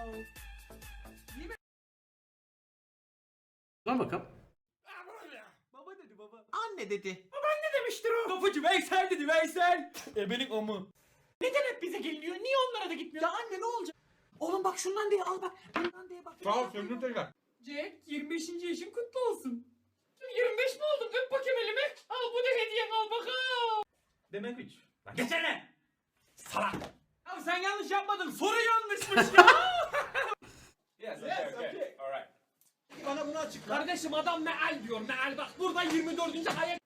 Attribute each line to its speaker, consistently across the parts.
Speaker 1: Lan bakalım.
Speaker 2: Baba dedi baba. Anne dedi.
Speaker 3: Ne demiştir o?
Speaker 2: Kapıcı Veysel dedi Veysel. Benim amı.
Speaker 3: Neden hep bize geliniyor? Niye onlara da gitmiyor?
Speaker 2: Ya anne ne olacak? Oğlum bak şundan diye al bak. Bundan diye bak.
Speaker 4: Sağ ol Sevgili Tekrar.
Speaker 3: Jack 25. yaşın kutlu olsun. 25 mi oldum? Öp bakayım elimi. Al bu da hediyen al bakalım.
Speaker 2: Demek 3.
Speaker 3: Lan geçene. Salak.
Speaker 2: Abi sen yanlış yapmadın. Soru yanlışmış ya.
Speaker 4: Yes,
Speaker 2: Yes, okay.
Speaker 4: Alright.
Speaker 2: Bana bunu açıkla.
Speaker 3: Kardeşim adam meal diyor meal bak burada 24. ayet.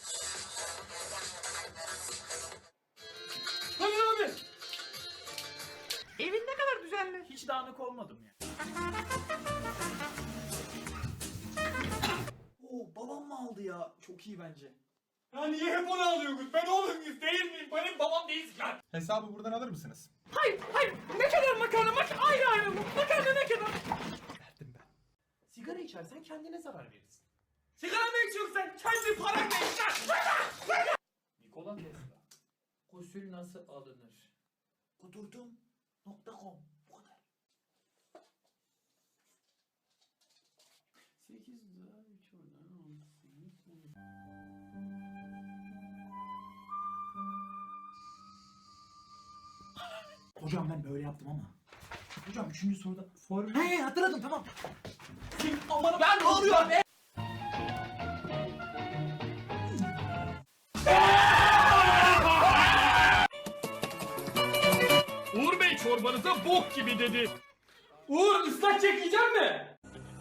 Speaker 2: Hayır abi.
Speaker 3: Evin ne kadar düzenli.
Speaker 2: Hiç dağınık olmadım ya. Oo babam mı aldı ya? Çok iyi bence.
Speaker 4: Ya niye hep onu alıyorsunuz? Ben oğlum muyuz değil miyim? Benim babam değilsin lan.
Speaker 5: Hesabı buradan alır mısınız?
Speaker 3: Hayır ne kadar makarna ayrı ayrı mı? Makarna ne kadar?
Speaker 5: Verdim ben.
Speaker 3: Sigara içersen kendine zarar verirsin.
Speaker 2: Sigara mı içiyorsun sen? Kendi paranla iç lan.
Speaker 3: Nikola Tesla. Gusül nasıl alınır?
Speaker 2: Kudurdum.com Bu kadar.
Speaker 3: 8 daha 3 oradan 18.
Speaker 2: Hocam ben böyle yaptım ama. Hocam 3. soruda formül... He hatırladım tamam. Aman ben ne oluyor be?
Speaker 4: Uğur Bey çorbanıza bok gibi dedi.
Speaker 2: Uğur ıslak çekeceğim mi?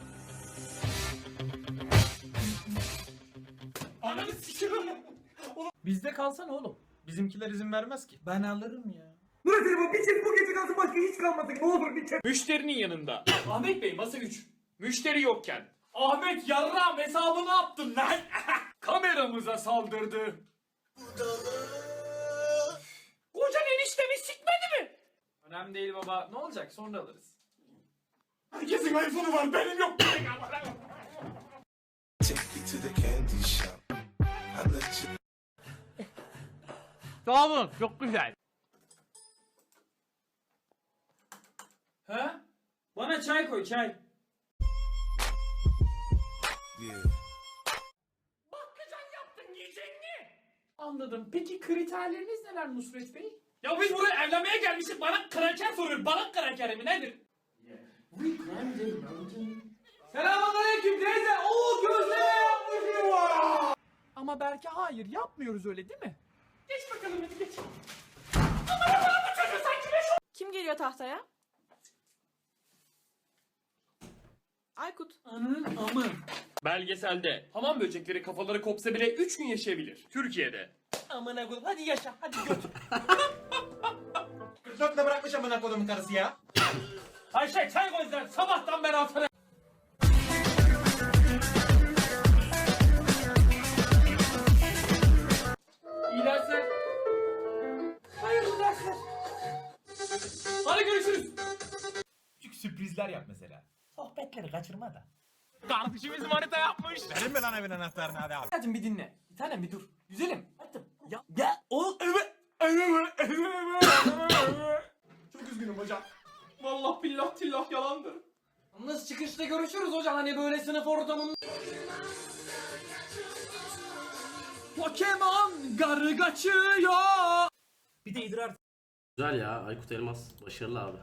Speaker 4: Ananı sikiyorum.
Speaker 2: Bizde kalsana oğlum.
Speaker 5: Bizimkiler izin vermez ki.
Speaker 2: Ben alırım ya.
Speaker 4: Müşterinin yanında. Ahmet Bey masa 3. Müşteri yokken. Ahmet yarram hesabını yaptın lan. Kameramıza saldırdı.
Speaker 3: Kocan eniştemi sikmedi mi?
Speaker 2: Önemli değil baba. Ne olacak sonra alırız.
Speaker 4: Herkesin iPhone'u var benim yok.
Speaker 6: Take you to the candy shop. I let you.
Speaker 3: Sağ olun çok güzel.
Speaker 2: Ha? Bana çay koy çay.
Speaker 6: Yeah.
Speaker 3: Bakkacan yaptın yiyecek mi? Anladım. Peki kriterleriniz neler Nusret Bey?
Speaker 4: Ya biz buraya evlenmeye gelmişiz. Bana kraker soruyor. Bana kraker mi nedir?
Speaker 2: Selamünaleyküm teyze. Oo gözleme yapmışım var.
Speaker 3: Ama belki hayır yapmıyoruz öyle değil mi? Geç bakalım hadi geç.
Speaker 7: Kim geliyor tahtaya? Aykut.
Speaker 2: Anın amı.
Speaker 4: Belgeselde hamam böcekleri kafaları kopsa bile 3 gün yaşayabilir. Türkiye'de.
Speaker 2: Amına koyayım. Hadi yaşa. Hadi götür.
Speaker 5: 44'le bırakmış amına kodumun karısı ya.
Speaker 4: Ayşe çay koy sen. Sabahtan beri altına.
Speaker 2: İyi dersler. Hayırlı dersler. Hadi görüşürüz.
Speaker 5: Küçük sürprizler yap mesela. Sohbetleri kaçırma da.
Speaker 4: Kardeşimiz manita yapmış.
Speaker 5: Verin mi lan evin anahtarını hadi abi.
Speaker 2: Hacım bir dinle. Bir tanem bir dur. Güzelim. Hacım. Ya oğlum.
Speaker 4: Çok üzgünüm hocam. Vallahi billah tillah yalandır.
Speaker 2: Yalnız çıkışta görüşürüz hocam. Hani böyle sınıf ortamında. Pokemon garı kaçıyor. Bir de idrar.
Speaker 1: Güzel ya. Aykut Elmas. Başarılı abi.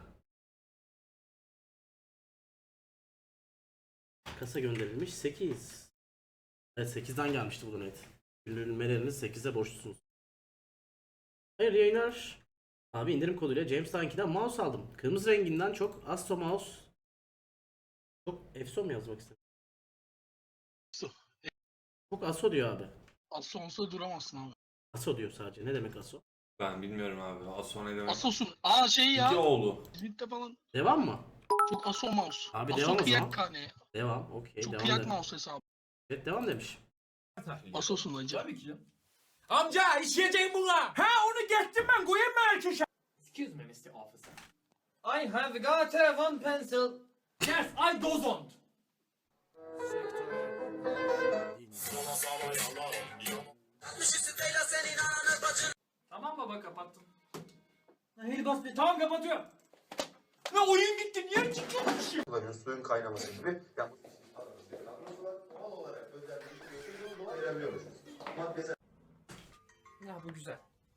Speaker 1: Kasa gönderilmiş 8. Evet 8'den gelmişti bu donate. Gönderilmeleriniz 8'e borçlusunuz. Hayırlı yayınlar. Abi indirim koduyla James Dunky'den mouse aldım. Kırmızı renginden çok Astro mouse. Çok Efso mu yazmak istedim? Çok Aso diyor abi.
Speaker 8: Asonsa duramazsın abi.
Speaker 1: Aso diyor sadece. Ne demek Aso?
Speaker 9: Ben bilmiyorum abi. Aso ne demek?
Speaker 8: Asosun. Aa şey ya.
Speaker 9: oğlu.
Speaker 8: İzmit'te falan
Speaker 1: Devam mı?
Speaker 8: çok aso mouse.
Speaker 1: Abi
Speaker 8: Aso
Speaker 1: devam o zaman.
Speaker 8: kıyak hani.
Speaker 1: Devam. Okey.
Speaker 8: Çok
Speaker 1: Devam
Speaker 8: kıyak
Speaker 1: dedim.
Speaker 8: mouse hesabı.
Speaker 1: Evet devam demiş.
Speaker 8: Asosun acı.
Speaker 2: Tabii ki canım. Amca işleyeceğim buna. Ha onu geçtim ben. Koyayım mı erkeşe?
Speaker 3: Excuse me Mr. Officer.
Speaker 2: I have got a one pencil.
Speaker 3: Yes I don't.
Speaker 2: Tamam baba kapattım. Hayır bas be. Tamam kapatıyorum.
Speaker 4: Ne oyun gitti niye çıkıyormuş?
Speaker 6: kullanıyor. Suyun kaynaması gibi. Yani doğal olarak özellikle dolayı ayırabiliyoruz. Maddesel
Speaker 4: Ya bu güzel.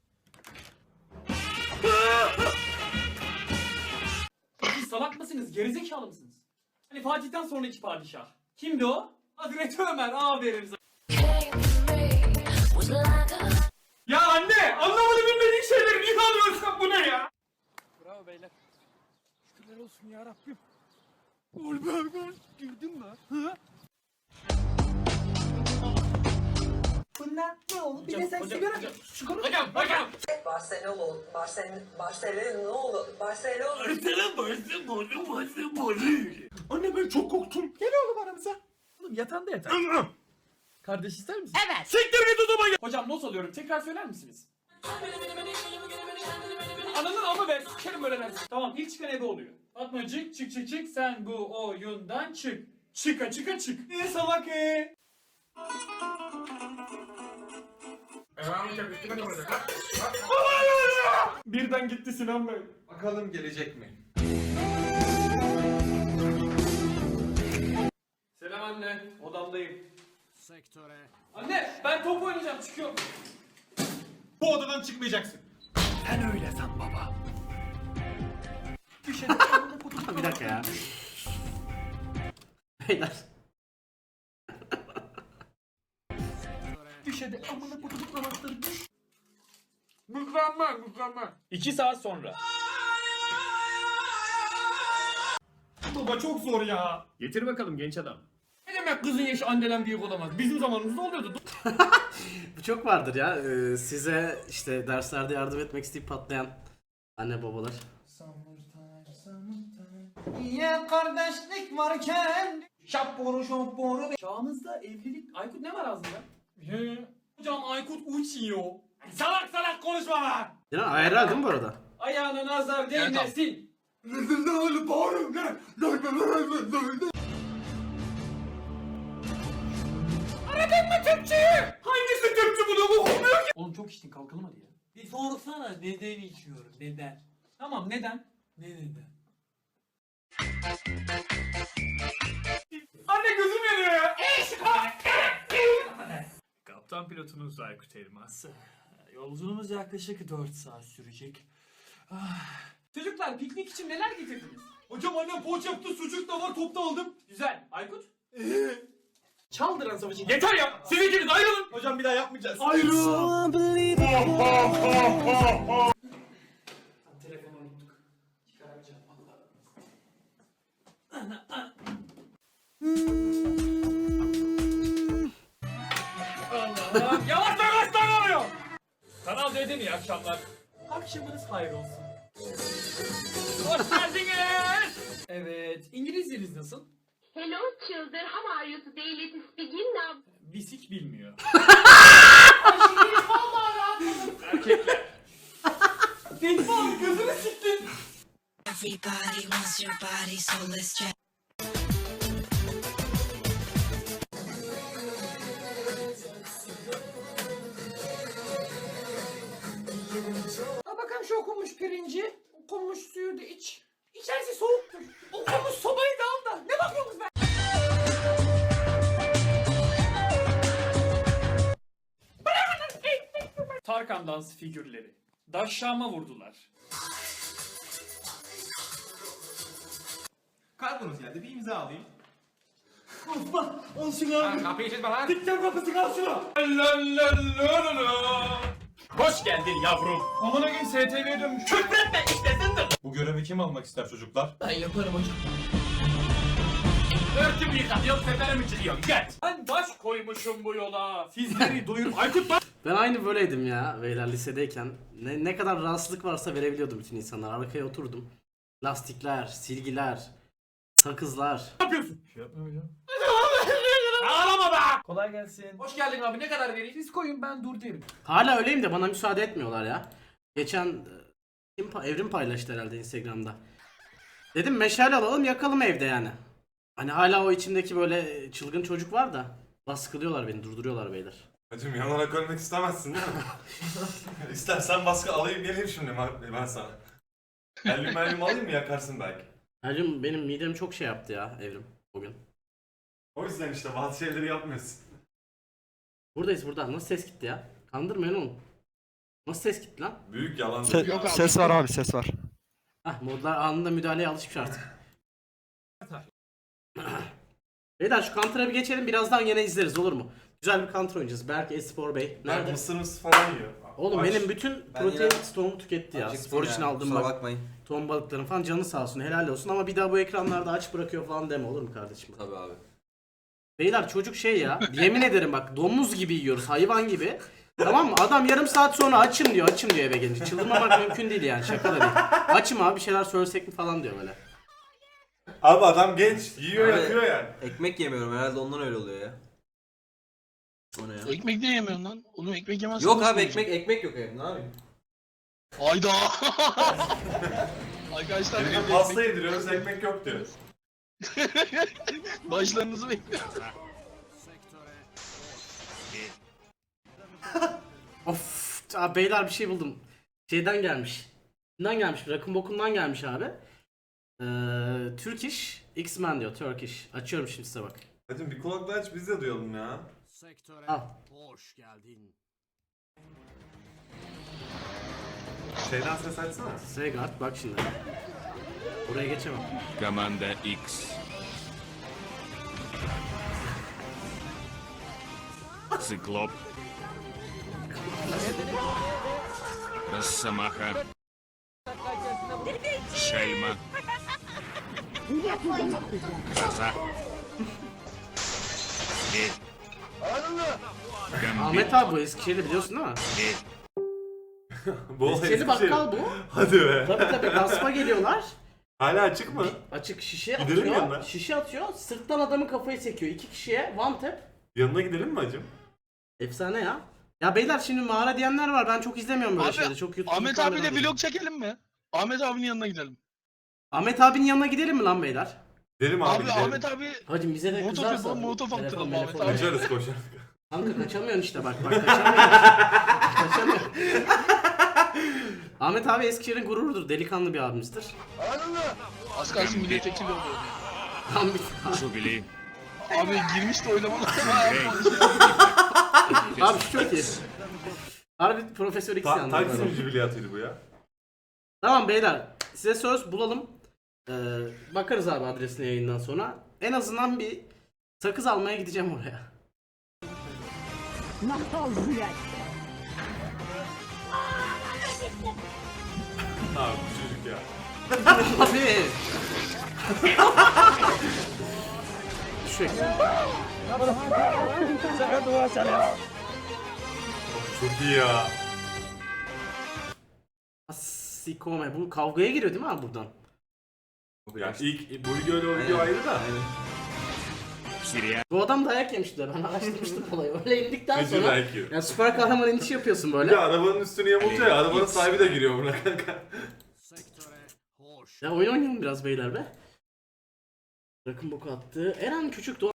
Speaker 4: Siz salak mısınız? Gerizekalı mısınız? Hani Fatih'ten sonraki padişah. Kimdi o? Hazreti Ömer. Aferin sana. Ya anne! Anlamadı bilmediğin şeyleri niye alıyorsun bu ne ya?
Speaker 3: Bravo beyler.
Speaker 5: Şükürler olsun ya Rabbim. Oğlum girdin mi? Hı?
Speaker 2: Bunlar ne oğlum? Bir de sen sigara...
Speaker 4: Hocam!
Speaker 5: Anne ben çok korktum. Gel oğlum aramıza. Oğlum yatağında yatar. Kardeş ister misin?
Speaker 7: Evet.
Speaker 4: Siktir git odama gel! Hocam not alıyorum. Tekrar söyler misiniz? Ananın ama ben sikerim böyle dersin. Tamam ilk çıkan ebe oluyor. Fatmacık çık sen bu oyundan çık. Çıka çık. Salak Birden gitti Sinan Bey.
Speaker 9: Bakalım gelecek mi?
Speaker 4: Selam anne. Odamdayım. Sektöre. Anne ben top oynayacağım çıkıyorum.
Speaker 5: Bu odadan çıkmayacaksın. Sen öyle san baba.
Speaker 1: Bir dakika ya. Beyler.
Speaker 4: Düşede amına kutup namazları düş. Mükemmel. 2 saat sonra.
Speaker 5: Baba çok zor ya.
Speaker 4: Getir bakalım genç adam. Ne demek kızın yaşı anneden büyük olamaz? Bizim zamanımızda oluyordu.
Speaker 1: Bu çok vardır ya. Size işte derslerde yardım etmek isteyip patlayan anne babalar.
Speaker 2: Niye kardeşlik varken? Şapboru.
Speaker 4: Çağımızda evlilik... Aykut ne var ağzında? Hocam Aykut uçuyor. Salak konuşma lan!
Speaker 1: Sinan ayarlar değil mi bu arada?
Speaker 4: Ayağına nazar değmesin. Aradın mı Türkçeyi? Hangisi Türkçe bunu okumuyor ki? Oğlum çok içtin kalkalım hadi ya.
Speaker 2: Bir sorsana neden içiyorum? Neden?
Speaker 4: Tamam neden?
Speaker 2: Ne neden?
Speaker 4: Anne gözüm yanıyor ya.
Speaker 5: Kaptan pilotunuz Aykut Elmas.
Speaker 2: Yolculuğumuz yaklaşık 4 saat sürecek.
Speaker 4: Çocuklar piknik için neler getirdiniz? Hocam annem poğaça yaptı, sucuk da var, top da aldım. Güzel. Aykut?
Speaker 2: Çaldıran savaşı.
Speaker 4: Yeter ya! Siz ikiniz ayrılın!
Speaker 5: Hocam bir daha yapmayacağız.
Speaker 4: Ayrılın! Telefonu unuttuk. Çıkaramayacağım valla. Allah'ım! Yavaş lan oluyor! Kanal D'de mi iyi akşamlar?
Speaker 2: Akşamınız hayır olsun.
Speaker 4: Hoş geldiniz! Evet, İngilizceniz nasıl?
Speaker 10: Hello children, how are you today? Let us begin now.
Speaker 4: Bisik bilmiyor. Erkekler. Defol gözünü siktin.
Speaker 10: Everybody wants your body, so let's check.
Speaker 4: Al bakalım şu okunmuş pirinci. Okunmuş suyu da iç. İçerisi soğuktur. Okunmuş sobayı da al da. Ne bakıyorsunuz be? Tarkan dans figürleri. Daşşama vurdular.
Speaker 5: Kargonuz geldi bir imza alayım.
Speaker 2: Olsun abi.
Speaker 5: Kapıyı çizme lan.
Speaker 2: Dikten kapısı kal şunu.
Speaker 4: Hoş geldin yavrum. Amına gün STV'ye dönmüş. Küfretme istesindir.
Speaker 5: Bu görevi kim almak ister çocuklar?
Speaker 2: Ben yaparım hocam.
Speaker 4: Örtümü yıkatıyorum, seferim içiliyorum. Gel. Ben baş koymuşum bu yola. Sizleri doyurup Aykut bak.
Speaker 1: Ben aynı böyleydim ya beyler lisedeyken. Ne kadar rahatsızlık varsa verebiliyordum bütün insanlar. Arkaya oturdum. Lastikler, silgiler, sakızlar.
Speaker 4: Ne yapıyorsun?
Speaker 5: Şey yapma hocam.
Speaker 4: Ağlama be.
Speaker 2: Kolay gelsin.
Speaker 4: Hoş geldin abi. Ne kadar vereyim? Siz koyun ben dur derim.
Speaker 1: Hala öyleyim de bana müsaade etmiyorlar ya. Geçen Evrim paylaştı herhalde Instagram'da. Dedim meşale alalım yakalım evde yani. Hani hala o içimdeki böyle çılgın çocuk var da baskılıyorlar beni, durduruyorlar beyler.
Speaker 9: Hacım yanarak ölmek istemezsin değil mi? İstersen baskı alayım geleyim şimdi ben sana. Helyum alayım mı, yakarsın belki.
Speaker 1: Hacım benim midem çok şey yaptı ya Evrim bugün.
Speaker 9: O yüzden işte bazı şeyleri yapmıyorsun.
Speaker 1: Buradayız burada. Nasıl ses gitti ya? Kandırmayın oğlum. Nasıl ses gitti lan?
Speaker 9: Büyük yalan.
Speaker 8: Yok abi.
Speaker 5: Ses var abi, ses var.
Speaker 1: Hah modlar anında müdahaleye alışmış artık. Beyler şu Counter'a bir geçelim, birazdan yine izleriz olur mu? Güzel bir Counter oynayacağız. Berk Espor Bey.
Speaker 9: Ben
Speaker 1: Nerede?
Speaker 9: mısır falan yiyor.
Speaker 1: Oğlum
Speaker 9: Aç.
Speaker 1: benim bütün protein stoğumu tüketti ya. Spor için aldığım bak.
Speaker 6: bakmayın.
Speaker 1: Ton balıkların falan canı sağ olsun, helal olsun ama bir daha bu ekranlarda aç bırakıyor falan deme olur mu kardeşim?
Speaker 6: Tabii abi.
Speaker 1: Beyler çocuk şey ya, yemin ederim bak domuz gibi yiyoruz, hayvan gibi. Tamam mı? Adam yarım saat sonra açım diyor eve gelince. Çıldırmamak mümkün değil yani, şaka da değil. Açım abi, bir şeyler söylesek mi falan diyor böyle.
Speaker 9: Abi adam genç, yiyor
Speaker 6: Abi-
Speaker 9: yapıyor yani.
Speaker 6: Ekmek yemiyorum herhalde ondan öyle oluyor ya. O ne ya?
Speaker 8: Ekmek de yemiyorsun lan. Oğlum ekmek yemezsin.
Speaker 6: Yok
Speaker 8: nasıl
Speaker 6: abi
Speaker 8: olacak?
Speaker 6: ekmek yok evde ne yapayım?
Speaker 8: Hayda. Arkadaşlar
Speaker 9: Birine
Speaker 8: evde
Speaker 9: pasta yediriyoruz, ekmek yok diyor.
Speaker 8: başlarınızı bekliyorum.
Speaker 1: Of, abi beyler bir şey buldum. Şeyden gelmiş. Kimden gelmiş? Rakın bokundan gelmiş abi. Turkish X-Men diyor, Turkish. Açıyorum şimdi size bak.
Speaker 9: Hacım bir kulaklığı aç biz de duyalım ya.
Speaker 1: Al.
Speaker 11: Hoş geldin.
Speaker 9: Şeyden ses açsana.
Speaker 1: Segard bak şimdi. Buraya geçemem.
Speaker 11: Команда X. Циклоп. Росомаха. Шельма. Гроза. Зверь. Гамбит.
Speaker 1: Ahmet abi bu Eskişehir'i biliyorsun değil mi?
Speaker 11: Зверь.
Speaker 9: Bu
Speaker 1: Eskişehir'li bakkal bu.
Speaker 9: Hadi be.
Speaker 1: Tabii gaspa geliyorlar.
Speaker 9: Hala açık mı?
Speaker 1: Açık şişe
Speaker 9: Gidelim
Speaker 1: atıyor.
Speaker 9: yanına.
Speaker 1: Şişe atıyor. Sırttan adamın kafayı sekiyor. 2 kişiye one tap.
Speaker 9: Yanına gidelim mi hacım?
Speaker 1: Efsane ya. Ya beyler şimdi mağara diyenler var. Ben çok izlemiyorum böyle
Speaker 8: Abi,
Speaker 1: şeyleri. Çok YouTube'da
Speaker 8: Ahmet
Speaker 1: falan
Speaker 8: abiyle
Speaker 1: izliyorum.
Speaker 8: vlog çekelim mi? Ahmet abinin yanına gidelim.
Speaker 1: Ahmet abinin yanına gidelim mi lan beyler?
Speaker 9: Gidelim abi,
Speaker 8: Abi
Speaker 9: gidelim.
Speaker 8: Ahmet abi
Speaker 1: Hacım bize de
Speaker 8: Molotof
Speaker 1: kızarsa.
Speaker 8: yapalım, molotof
Speaker 1: Telefon,
Speaker 8: attıralım
Speaker 1: telefon
Speaker 8: Ahmet abi.
Speaker 1: ver.
Speaker 9: Kaçarız koşar.
Speaker 1: Kanka kaçamıyorsun işte bak kaçamıyorsun. Kaçamıyorsun. Ahmet abi Eskişehir'in gururudur. Delikanlı bir abimizdir.
Speaker 8: Az kalsın milletvekili oluyor.
Speaker 1: Tam bir...
Speaker 11: Жубили.
Speaker 8: Abi girmiş de oynamalar.
Speaker 1: Abi şu çok iyi. Harbi Profesör X yalnız.
Speaker 9: Taksim
Speaker 1: böyle.
Speaker 9: jübiliyatıydı bu ya.
Speaker 1: Tamam beyler. Size söz bulalım. Bakarız abi adresine yayından sonra. En azından bir sakız almaya gideceğim oraya.
Speaker 9: Abi bu çocuk ya.
Speaker 1: Abi. Şu
Speaker 9: Çok iyi ya.
Speaker 1: Sikome. Bu kavgaya giriyor değil mi abi buradan?
Speaker 9: Ya ilk bu video ayrı da.
Speaker 11: Сириа.
Speaker 1: Bu adam dayak yemişti. Ben araştırmıştım olayı. Öyle indikten
Speaker 9: Gıcır
Speaker 1: sonra
Speaker 9: dayak yiyor.
Speaker 1: yani süper kahraman inişi yapıyorsun
Speaker 9: Bir
Speaker 1: böyle.
Speaker 9: de arabanın üstünü yamultuyor ya, arabanın sahibi de giriyor buna kanka.
Speaker 1: Ya oyun oynayalım biraz beyler be. Rakın boku attı. Eren Küçük Doğan